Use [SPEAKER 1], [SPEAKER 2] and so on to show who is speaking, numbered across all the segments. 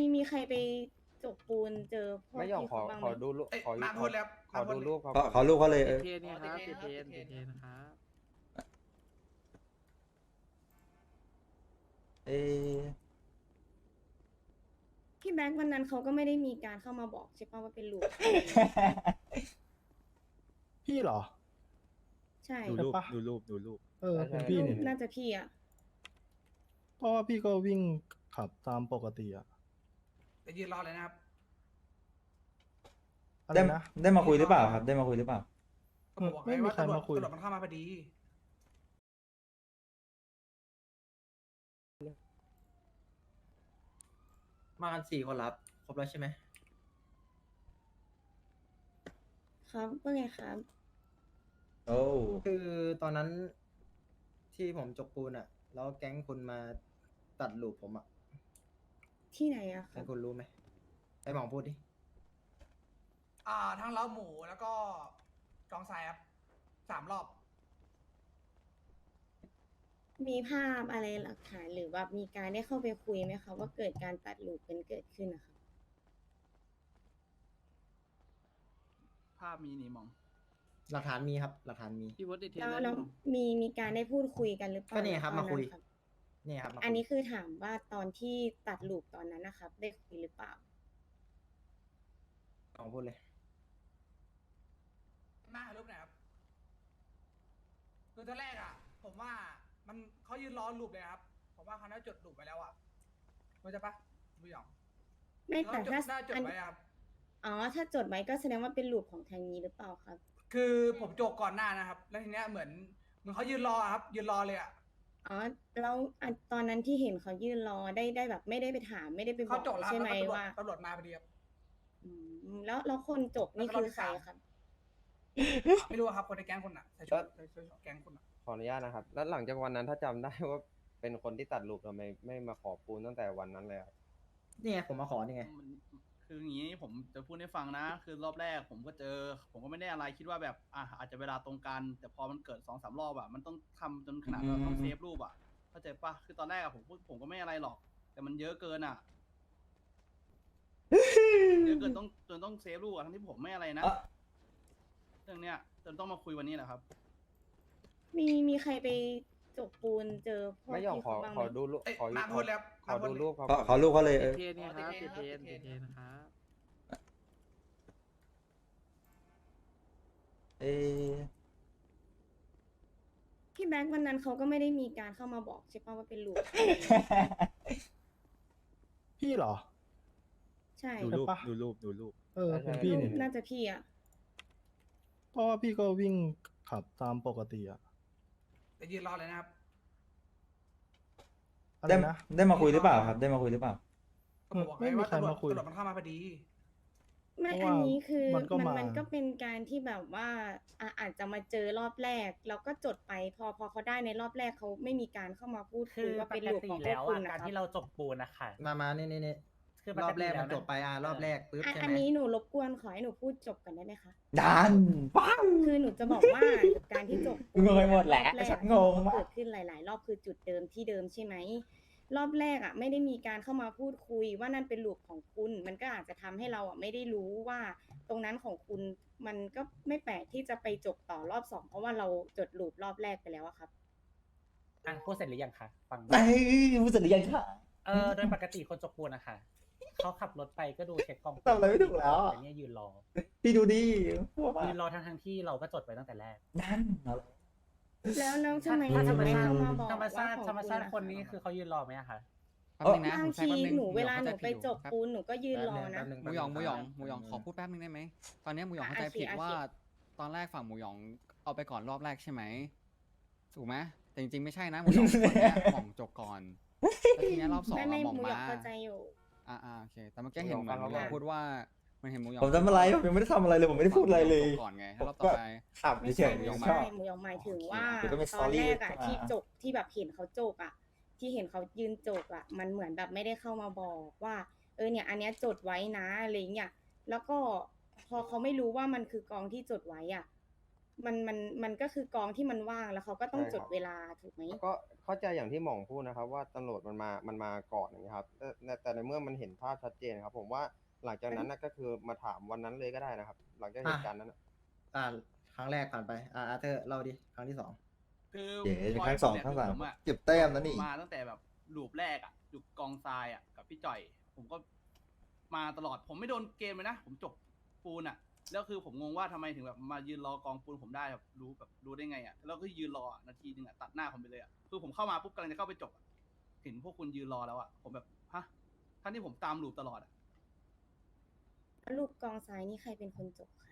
[SPEAKER 1] มีใครไปจกปูนเจอพวก
[SPEAKER 2] ไม่ยอม
[SPEAKER 1] ที่
[SPEAKER 2] ขอ
[SPEAKER 1] เขาบ้าง
[SPEAKER 2] ข
[SPEAKER 1] ไหม
[SPEAKER 2] อดูรูปขอ
[SPEAKER 3] มาพูดแล้ว
[SPEAKER 2] ขอดูรูปเขา
[SPEAKER 4] ขอรูปเขาเลย
[SPEAKER 5] เทนเนี่ยครับเทนครับ
[SPEAKER 4] เอ๊ะ
[SPEAKER 1] พี่แบงค์วันนั้นเขาก็ไม่ได้มีการเข้ามาบอกใช่ป่ะว่าเป็นลูก
[SPEAKER 6] พี่เหรอ
[SPEAKER 1] ใช่
[SPEAKER 6] ดูรูป
[SPEAKER 5] ดูรูป
[SPEAKER 6] เป็นพี่นี่
[SPEAKER 1] น่าจะพี่อ่ะ
[SPEAKER 6] เพราะว่าพี่ก็วิ่งขับตามปกติอะ
[SPEAKER 3] จะยืนรอเลยนะครับ
[SPEAKER 6] อะไร
[SPEAKER 4] ได้
[SPEAKER 6] นะ
[SPEAKER 4] ได้มาคุยหรือเปล่าครับ ได้มาคุยหรือเปล่า
[SPEAKER 3] ก็บอก
[SPEAKER 6] ไม่
[SPEAKER 3] ไง
[SPEAKER 6] มี
[SPEAKER 3] ว่า
[SPEAKER 6] ใคร
[SPEAKER 3] ตำรวจ
[SPEAKER 6] มาคุย
[SPEAKER 3] ตำรวจมันเข้ามาพอดี
[SPEAKER 7] มากัน4 คนรับครบแล้วใช่ไหม
[SPEAKER 1] ครับว่าไงครับ
[SPEAKER 4] โอ้
[SPEAKER 7] คือตอนนั้นที่ผมจกปูนอะแล้วแก๊งคุณมาตัดลูปผมอะ
[SPEAKER 1] ที่ไหนอะครั
[SPEAKER 7] ให้
[SPEAKER 1] บ
[SPEAKER 7] คุณรู้ไหมไอ้หมองพูดดิ
[SPEAKER 3] ทั้งเล้าหมูแล้วก็กองทรายครับ3 รอบ
[SPEAKER 1] มีภาพอะไรหลักฐานหรือว่ามีการได้เข้าไปคุยไหมคะว่าเกิดการตัดลูกกันเกิดขึ้นนะคะ
[SPEAKER 5] ภาพมีนี่มอง
[SPEAKER 7] หลักฐานมีครับ หลักฐานมี
[SPEAKER 5] พี่วอดเทน
[SPEAKER 1] แล้วมีการได้พูดคุยกันหรือเปล่า
[SPEAKER 7] ก็เนี่ยครับ
[SPEAKER 1] ตอ
[SPEAKER 7] มาคุย
[SPEAKER 1] รับ
[SPEAKER 7] นี่ครับมา
[SPEAKER 1] อันนี้
[SPEAKER 7] คุย
[SPEAKER 1] คือถามว่าตอนที่ตัดลูกตอนนั้นนะครับ ได้คุยหรือเปล่า
[SPEAKER 7] หมองพูดเลย
[SPEAKER 3] หน้ารูปไหนครับคือตอนแรกอ่ะ ผมว่ามันเขายืนรอลูปเลยครับ ผมว่าเขาน่าจดลูปไปแล้วอ่ะเข้าใจปะไม่ยอม
[SPEAKER 1] ไม่แต่ถ้า
[SPEAKER 3] น่าจด
[SPEAKER 1] อัน
[SPEAKER 3] ไว้ครับ
[SPEAKER 1] อ๋อถ้าจดไว้ก็แสดงว่าเป็นลูกของทางนี้หรือเปล่าครับ
[SPEAKER 3] คือผมจกก่อนหน้านะครับ แล้วทีเนี้ยเหมือนเขายืนรอครับ ยืนรอเลยอ่ะ
[SPEAKER 1] อ๋อแล้วอันตอนนั้นที่เห็นเขายื่นรอได้แบบไม่ได้ไปถามไม่ได้ไปบ
[SPEAKER 3] เขา
[SPEAKER 1] อก
[SPEAKER 3] จกแล้ว
[SPEAKER 1] ใช่
[SPEAKER 3] แล้ว
[SPEAKER 1] ไหม
[SPEAKER 3] ก็
[SPEAKER 1] ว่า
[SPEAKER 3] ตำรวจมาพอดีครับ
[SPEAKER 1] อืมแล้วคนจบนี่คือใครครับ
[SPEAKER 3] ไม่รู้อะครับคนในแก๊งคุณอ่ะใส่ชุดแก๊งคุณอ่ะ
[SPEAKER 2] ขออนุญาตนะครับ แล้วหลังจากวันนั้นถ้าจำได้ว่าเป็นคนที่ตัดรูปทำไมไม่มาขอปูนตั้งแต่วันนั้นเลยครับ
[SPEAKER 7] นี่ไงผมมาขอนี่ไง
[SPEAKER 5] คืออย่างนี้ผมจะพูดให้ฟังนะ คือรอบแรกผมก็เจอ ผมก็ไม่ได้อะไรคิดว่าแบบอาจจะเวลาตรงกัน แต่พอมันเกิด2-3 รอบอะมันต้องทำจนขนาดเราต้องเซฟรูปอะเข้าใจปะคือตอนแรกอะผมก็ไม่อะไรหรอก แต่มันเยอะเกินอะเยอะเกินจนต้องเซฟรูปอะทั้งที่ผมไม่อะไรนะ เรื่องเนี้ยจนต้องมาคุยวันนี้แหละครับ
[SPEAKER 1] มีใครไปจกปูนเจอพวก
[SPEAKER 2] ไม่ยอม
[SPEAKER 1] ที่
[SPEAKER 2] ขอ
[SPEAKER 1] เขาบ้างไห
[SPEAKER 2] ข
[SPEAKER 1] ม
[SPEAKER 2] อดูรูปขอ
[SPEAKER 3] มาพูดแล้ว
[SPEAKER 2] ขอดูรูปเขา
[SPEAKER 4] ขอรูปเขาเลย
[SPEAKER 5] เทนเนี่ยครับเทนครับ
[SPEAKER 4] เอ๊ะ
[SPEAKER 1] พี่แบงค์วันนั้นเขาก็ไม่ได้มีการเข้ามาบอกใช่ป่ะว่าเป็นลูก
[SPEAKER 6] พี่เหรอ
[SPEAKER 1] ใช่
[SPEAKER 6] ดูรูป
[SPEAKER 5] ดูรูป
[SPEAKER 6] เป็นพี่นี่
[SPEAKER 1] น่าจะพี่อ่ะ
[SPEAKER 6] เพราะว่าพี่ก็วิ่งขับตามปกติอะ
[SPEAKER 3] จะยืนรอเลยนะครับ
[SPEAKER 6] อะไร
[SPEAKER 4] ได้
[SPEAKER 6] นะ
[SPEAKER 4] ได้มาคุยหรือเปล่าครับ ได้มาคุยหรือเปล่า
[SPEAKER 3] ก็บอกไง
[SPEAKER 6] ไม่มี
[SPEAKER 3] ว่า
[SPEAKER 6] ใคร
[SPEAKER 3] ตำรวจ
[SPEAKER 6] มาคุย
[SPEAKER 3] ตำรวจมันเข้ามาพอดี
[SPEAKER 1] ไม่
[SPEAKER 6] เพราะ
[SPEAKER 1] อั
[SPEAKER 6] ว่าน
[SPEAKER 1] นี้คือ
[SPEAKER 6] มันก็มามั
[SPEAKER 1] นก็เป็นการที่แบบว่าอาจจะมาเจอรอบแรกแล้วก็จดไปพอเขาได้ในรอบแรกเขาไม่มีการเข้ามาพูด
[SPEAKER 8] คื
[SPEAKER 1] คุย
[SPEAKER 8] อ
[SPEAKER 1] ว่า
[SPEAKER 8] ป
[SPEAKER 1] เป็น
[SPEAKER 8] ก
[SPEAKER 1] ลูก
[SPEAKER 8] ติ
[SPEAKER 1] ของพว
[SPEAKER 8] แล้
[SPEAKER 1] ก
[SPEAKER 8] ว
[SPEAKER 1] คุ
[SPEAKER 8] อ่ะ
[SPEAKER 1] ณนะ
[SPEAKER 8] การ
[SPEAKER 1] ครับ
[SPEAKER 8] ที่เราจบปูนนะคะ
[SPEAKER 7] มานี่
[SPEAKER 8] คือปกติ
[SPEAKER 7] รอบแรกมัน
[SPEAKER 8] แล้วนะ
[SPEAKER 7] จบไปรอบแรกปุ๊บใช่ไห
[SPEAKER 1] อั
[SPEAKER 7] ม
[SPEAKER 1] นนี้หนูรบกวนขอให้หนูพูดจบก่อนได้ไหมคะ
[SPEAKER 4] ดันปัง
[SPEAKER 1] คือหนูจะบอกว่าการที่จบ
[SPEAKER 4] งงไปหมดแหละ
[SPEAKER 1] รอบรก
[SPEAKER 4] ฉันงงมาก
[SPEAKER 1] เกิดขึ้นหลาย ๆ รอบคือจุดเดิมที่เดิมใช่ไหมรอบแรกอ่ะไม่ได้มีการเข้ามาพูดคุยว่านั่นเป็นลูกของคุณ มันก็อาจจะทำให้เราอ่ะไม่ได้รู้ว่าตรงนั้นของคุณมันก็ไม่แปลกที่จะไปจบต่อรอบ2เพราะว่าเราจดลูปรอบแรกไปแล้วอะครับ
[SPEAKER 8] อ่ะพูดเสร็จหรือยังคะฟัง
[SPEAKER 4] ไอ้ผู้สื่อหรือยังค่ะ
[SPEAKER 8] โดยปกติคนจบปูนนะคะเขาขับรถไปก็ดูเช็คกล้อง
[SPEAKER 4] ทำอะไรไม่ถูกแล้วอะ
[SPEAKER 8] แต่เนี่ยยืนรอ
[SPEAKER 4] พี่ดูดิพวก
[SPEAKER 8] ยืนรอทั้งที่เราก็จดไว้ตั้งแต่แรก
[SPEAKER 4] ดันเอาเลย
[SPEAKER 1] แล้วทำไม
[SPEAKER 8] ถ้าธรรม
[SPEAKER 1] ไม่
[SPEAKER 8] ชาติ
[SPEAKER 1] เข้ามาบอก
[SPEAKER 8] ธรรมชาติ
[SPEAKER 1] ว่าของ
[SPEAKER 8] ธรรมชาติ
[SPEAKER 1] ณะ
[SPEAKER 8] คนนี้คือเขายืนรอไหมอะคะ
[SPEAKER 9] แป๊บนึงนะ
[SPEAKER 1] บาง
[SPEAKER 9] ผมใช้
[SPEAKER 1] ที
[SPEAKER 9] แป๊บนึง
[SPEAKER 1] หนูเวลาหนู
[SPEAKER 9] เข้ใจ
[SPEAKER 1] ไป
[SPEAKER 9] ผิด
[SPEAKER 1] จบ
[SPEAKER 9] ครับ
[SPEAKER 1] ปูนหนูก็ยืนรอนะ
[SPEAKER 7] แป๊บนึง
[SPEAKER 9] หมูหยองขอพูดแป๊บนึงได้ไหมตอนนี้หมูหยองเข้าใจผิด
[SPEAKER 1] โอเค
[SPEAKER 9] ว่าตอนแรกฝั่งหมูหยองเอาไปก่อนรอบแรกใช่ไหมถูกไหมแต่จริงๆไม่ใช่นะหมูหยองคนเนี้ยหม่องจบก่อนแล้วทีเนี้ยรอบสอง
[SPEAKER 1] ไม่
[SPEAKER 9] อะหม่อง
[SPEAKER 1] หมูหยอง
[SPEAKER 9] มา
[SPEAKER 1] เข้าใจอยู่
[SPEAKER 9] โอเคแต่เมื่อกี้เห็นเหมือนหมูหยองพูดว่ามันเห็นหมูหยอง
[SPEAKER 4] ผมทำอะไรผมยังไม่ได้ทำอะไรเลยผมไม่ได้พูดอะไรเลย
[SPEAKER 9] จบก่อนไงถ้ารอบต่อไป
[SPEAKER 4] ขับ
[SPEAKER 1] ไม่
[SPEAKER 4] เฉ
[SPEAKER 1] ใช่
[SPEAKER 4] ย
[SPEAKER 9] หมูหยอง
[SPEAKER 4] ๆ
[SPEAKER 9] มา
[SPEAKER 4] ชอบ
[SPEAKER 1] หมูหยองหมายถึงว่า
[SPEAKER 4] เดี๋ยวก็มี
[SPEAKER 1] ตอนแรกอะ
[SPEAKER 4] story
[SPEAKER 1] ที่จบที่แบบเห็นเขาจบอะที่เห็นเขายืนจบอะมันเหมือนแบบไม่ได้เข้ามาบอกว่าเนี่ยอันเนี้ยจดไว้นะอะไรเงี้ยแล้วก็พอเขาไม่รู้ว่ามันคือกองที่จดไว้อะมันก็คือกองที่มันว่างแล้วเขาก็ต้อง
[SPEAKER 2] ใช่
[SPEAKER 1] จ
[SPEAKER 2] ครั
[SPEAKER 1] ด
[SPEAKER 2] บ
[SPEAKER 1] เวลาถูกไหม
[SPEAKER 2] ก็เข้าใจอย่างที่หม่องพูดนะครับ ว่าตำรวจมันมาก่อนอย่างนี้ยครับแต่ในเมื่อมันเห็นภาพชัดเจนครับ ผมว่าหลังจากนั้นนะก็คือมาถามวันนั้นเลยก็ได้นะครับ หลังจากเหตุการณ์นั้นน่ะ
[SPEAKER 7] ครั้งแรกผ่านไปอาร์เธอร์เล่าดิครั้งที่ 2
[SPEAKER 5] คือ
[SPEAKER 4] เดี๋ยว
[SPEAKER 5] พย
[SPEAKER 4] ครั้งสอง
[SPEAKER 5] เนี่ย
[SPEAKER 4] ครั้งสาม
[SPEAKER 5] ผมอะ
[SPEAKER 4] เก็บแต้มนะนี่
[SPEAKER 5] มาตั้งแต่แบบลูปแรกอะอยู่กองทรายอะกับพี่จ่อย ผมก็มาตลอดผมไม่โดนเกมเลยนะ ผมจบปูนอะแล้วคือผมงงว่าทำไมถึงแบบมายืนรอกองปูนผมได้แบบรู้ได้ไงอะแล้วก็ยืนรอนาทีนึงอะตัดหน้าผมไปเลยอะคือผมเข้ามาปุ๊บกำลังจะเข้าไปจบอะเห็นพวกคุณยืนรอแล้วอะผมแบบฮะทั้งที่ผมตามลูปตลอดอะ
[SPEAKER 1] ลูกกองซ้ายนี่ใครเป็นคนจบคะ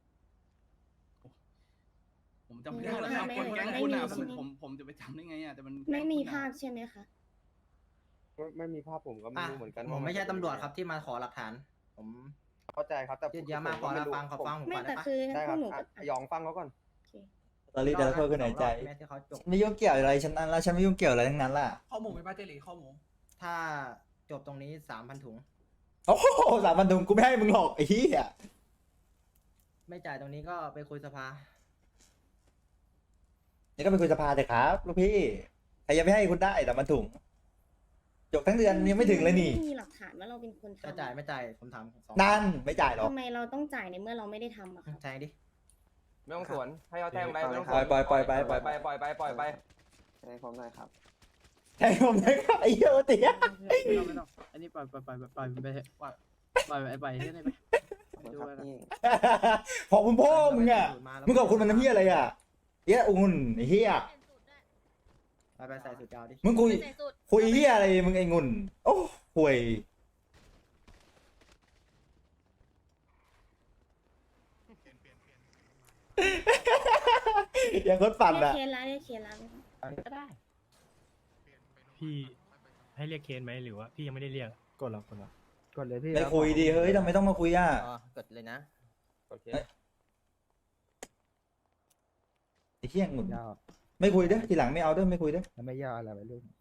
[SPEAKER 5] ผมจำไม่ได้แล้วครับ
[SPEAKER 1] ไม่
[SPEAKER 5] คนแก๊ง
[SPEAKER 1] ไม่
[SPEAKER 5] คุณอะ
[SPEAKER 1] ไม่มี
[SPEAKER 5] ผมจะไปจำได้ไงอะแต่มัน
[SPEAKER 1] ไม่มี
[SPEAKER 5] แก๊งคุณอะ
[SPEAKER 1] ภาพใช่ไหมคะ
[SPEAKER 2] ไม่มีภาพผมก็ไม่รู้เหมือนกัน
[SPEAKER 7] ผม
[SPEAKER 2] ว่า
[SPEAKER 7] ไม่ใช่
[SPEAKER 2] น
[SPEAKER 7] ตำรวจครับที่มาขอหลักฐาน ผม
[SPEAKER 2] เข้าใจครับแต่
[SPEAKER 7] ยืดเยอะมาก
[SPEAKER 2] ผก็ไรู้
[SPEAKER 7] ขอฟังผม
[SPEAKER 1] ไม่
[SPEAKER 7] ก่อน
[SPEAKER 1] แต่
[SPEAKER 7] ได้ปะ
[SPEAKER 1] คือ
[SPEAKER 2] ได้
[SPEAKER 1] พ
[SPEAKER 2] คว รั
[SPEAKER 1] ก
[SPEAKER 2] บ
[SPEAKER 1] หนู
[SPEAKER 2] อ่ะ
[SPEAKER 1] ก็
[SPEAKER 2] ยองฟังเขาก่อน
[SPEAKER 1] โอเค
[SPEAKER 4] ตอนนี้แต่ละคนก็เหนื่อยใจ
[SPEAKER 7] แม่ที่เขาจบ
[SPEAKER 4] ไม่ยุ่งเกี่ยวอะไรฉันนั้นละฉันไม่ยุ่งเกี่ยวอะไรทั้งนั้นล่ะ
[SPEAKER 3] ข้อหมูไปป้าเจหลีข้อหมู
[SPEAKER 7] ถ้าจบตรงนี้ 3,000 ถุง
[SPEAKER 4] โอ้โห3,000 ถุงกูไม่ให้มึงหรอกไอ้เหี้ย
[SPEAKER 7] ไม่จ่ายตรงนี้ก็ไปคุยสภา
[SPEAKER 4] นี่ก็ไปคุยสภาเถอะครับลูกพี่ใครยังไม่ให้คุณได้3,000 ถุงจบทั้งเดือนยังไม่ถึงเลยนี่
[SPEAKER 1] ไม่มีหลักฐานว่าเราเป็นคน
[SPEAKER 7] จะ
[SPEAKER 1] ทำ
[SPEAKER 7] จ่ายไม่จ่ายผมถามสอง
[SPEAKER 4] นั่นไม่จ่ายหรอก
[SPEAKER 1] ทำไมเราต้องจ่ายในเมื่อเราไม่ได้ทำอะคะ
[SPEAKER 7] แทงดิ
[SPEAKER 2] ไม่ต้องสวนให้เขาแทงไปไม่ต้องส
[SPEAKER 4] ปล่
[SPEAKER 2] ว
[SPEAKER 4] อย
[SPEAKER 2] น
[SPEAKER 4] ปล่อยปล่อยไปปล่อย
[SPEAKER 2] ไปปล่อยไปปล่อยไป
[SPEAKER 7] ให้ผมหน่อยครับ
[SPEAKER 4] ให้ผมนะครับไอ้เหี้ยโอติ
[SPEAKER 8] ไม่ต้องอันนี้ปล่อยไปเถอะปล่อยไปที่ไหนไปดูไว้ก่อน
[SPEAKER 4] ขอบคุณพ่อมึงอ่ะมึงขอบคุณมันน้ำเหี้ยอะไรอ่ะเหี้ยอุ่นไอ้เหี้ย
[SPEAKER 7] ไปใส่สูตรยาวดิ
[SPEAKER 4] มึงคุยเหี้ยอะไรมึงไอ้งุ่นโอ้ห่วยอย่างคนปั่น
[SPEAKER 1] เรียก
[SPEAKER 4] อ่ะ
[SPEAKER 1] เคสแล้วเรียกเคสแล้ว
[SPEAKER 8] ก็ได้
[SPEAKER 6] พี่ให้เรียกเคนไหมหรือว่าพี่ยังไม่ได้เรียกกดแล้วกดเลยพี่
[SPEAKER 4] ไม่คุยดีเฮ้ยทำไมต้องมาคุยอ่ะ
[SPEAKER 7] กดเลยนะ
[SPEAKER 2] โอเค
[SPEAKER 4] ไอ้เหี้ยงุ่นไม่คุยเด้อทีหลังไม่เอาเด้อไม่คุยเด้อ
[SPEAKER 6] ไม่ยากอะไรไปลูก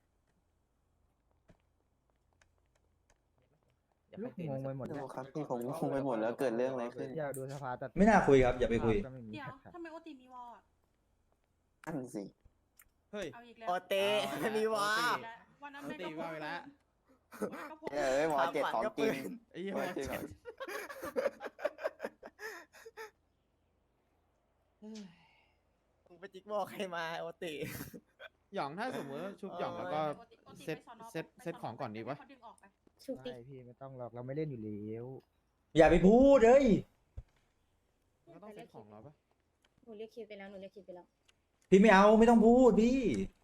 [SPEAKER 6] ลูกงงไปหมดแล้ว
[SPEAKER 7] ครับพี่ผมงงไปหมดแล้วเกิดเรื่องอะไรขึ้น
[SPEAKER 6] อยากดูสภาแต่
[SPEAKER 4] ไม่น่าคุยครับอย่าไปคุย
[SPEAKER 10] เดี๋ยวทำไมโอติมีวอลอ่ะ
[SPEAKER 7] อันสิ
[SPEAKER 5] เฮ้ย
[SPEAKER 10] เอาอีกแล้ว
[SPEAKER 7] โอเตมีวา
[SPEAKER 10] วันนั้น
[SPEAKER 5] โอ
[SPEAKER 10] แม่
[SPEAKER 5] ติ
[SPEAKER 10] ก็
[SPEAKER 5] ว่าไปแล้ว
[SPEAKER 10] ก็พก
[SPEAKER 7] หมอเจ็ดของจริง
[SPEAKER 5] ไอ้เหี้ย
[SPEAKER 7] โอเคครับ
[SPEAKER 11] มึงไปจิกบอกใครมาโอติ
[SPEAKER 9] หยองถ้าสมมติว่าชุบหยองแล้วก็เซตของก่อนดีวะ
[SPEAKER 10] เขาดึงออกไป
[SPEAKER 1] ชุบดิ
[SPEAKER 6] ไม่พี่ไม่ต้องหรอกเราไม่เล่นอยู่แล้ว
[SPEAKER 4] อย่าไปพูดเลย
[SPEAKER 9] ก็ต้องเซตของเราปะ
[SPEAKER 1] หนูเรียกเคสไปแล้วหนูเรียกเคสไปแล้ว
[SPEAKER 4] พี่ไม่เอาไม่ต้องพูดพี่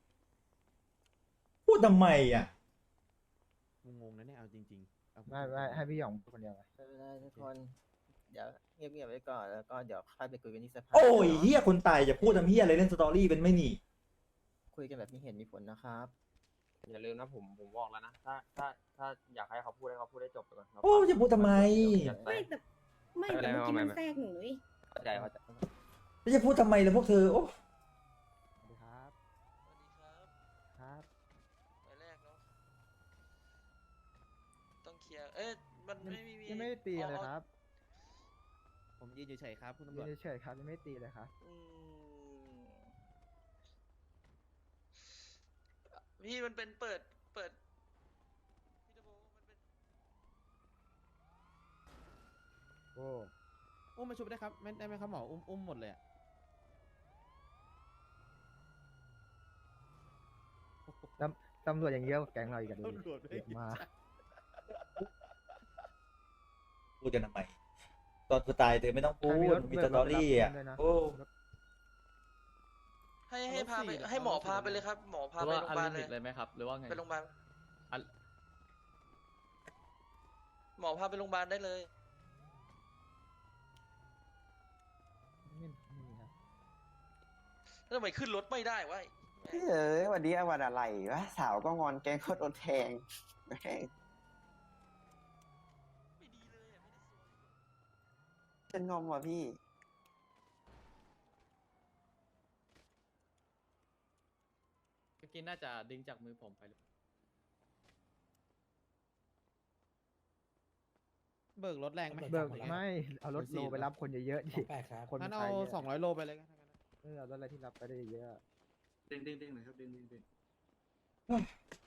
[SPEAKER 4] พูดทำไมอ่ะ
[SPEAKER 9] งงนะเนี่ยเอาจริงๆเอา
[SPEAKER 6] ไม่ให้พี่หยองพูดคนเดียวไป
[SPEAKER 11] ไม่เป็นไรทุกคน เดี๋ยวเงียบๆไว้ก่อน แล้วก็เดี๋ยวค่อยไปคุยกันที่สภา
[SPEAKER 4] โอ้ยเฮียคนตายจะพูดทำเฮียอะไรเล่นสตอรี่เป็นไม่หนี
[SPEAKER 11] คุยกันแบบมีเหตุมีผลนะครับ
[SPEAKER 2] อย่าลืมนะผมบอกแล้วนะถ้าอยากให้เขาพูดให้เขาพูดได้จบไปก่อน
[SPEAKER 4] โอ้จะพูดทำไม
[SPEAKER 1] ไม่แต่ไม่แต่เมื่อกี้มันแทรกหนูเลย
[SPEAKER 2] เข้าใจเข้าใจ
[SPEAKER 4] แล้วจะพูดทำไมล่ะพวกเธอโอ้
[SPEAKER 6] สวัสดีครับ
[SPEAKER 11] สวัสดีครับ
[SPEAKER 6] ครับ
[SPEAKER 11] ไปแรกเนาะ ต้องเคลียร์ เอ๊ะ มันไม่มี
[SPEAKER 6] ยังไม่ได้ตีเลยครับ
[SPEAKER 9] ผมยืนเฉยๆครับคุณตำร
[SPEAKER 6] ยื
[SPEAKER 9] วจ
[SPEAKER 6] นเฉยๆครับยังไม่ได้ตีเลยครับ
[SPEAKER 11] พี่มันเป็นเปิดพี่ตะโบมันเป็น
[SPEAKER 6] โอ้
[SPEAKER 9] อุ้มมาชุบได้ครับไม่ได้ไหมครับหมออุ้มหมดเลยอะ
[SPEAKER 6] ตำรวจอย่างเยอะกว่าแก๊งเราอีกอะดูดิเยอะมาก
[SPEAKER 4] พูดกันทำไมตอนกูตายเธอไม่ต้องพูดมีสตอรี่อ่ะโอ้
[SPEAKER 11] ให้พาไปให้หมอพาไปเลยครับ หมอพาไปโรงพยาบาลเลย
[SPEAKER 8] ไหมครับ หรือว่าไง
[SPEAKER 11] ไปโรงพยาบาลหมอพาไปโรงพยาบาลได้เลย
[SPEAKER 6] ไม่มีครับ
[SPEAKER 11] แล้วทำไมขึ้นรถไม่ได้วะ
[SPEAKER 7] วันนี้วันอะไรวะสาวก็งอนแกงโคตรโดนแทงแม่ง
[SPEAKER 11] ไม่ดีเลยไม่ได้สวย
[SPEAKER 7] ฉันงอมว่ะพี่
[SPEAKER 8] เมื่อกี้น่าจะดึงจากมือผมไปหรือเบิกรถแรงไหม
[SPEAKER 12] เบิกไม่เอารถโลไปรับคนเยอะๆดิคน
[SPEAKER 8] งั้น
[SPEAKER 12] ไป
[SPEAKER 8] เอา
[SPEAKER 12] เยอะ
[SPEAKER 8] 200 โลไปเลยกัน
[SPEAKER 12] เอารถอะไรที่รับไปได้เยอะ
[SPEAKER 5] เด้งหน่อยครับเด้ง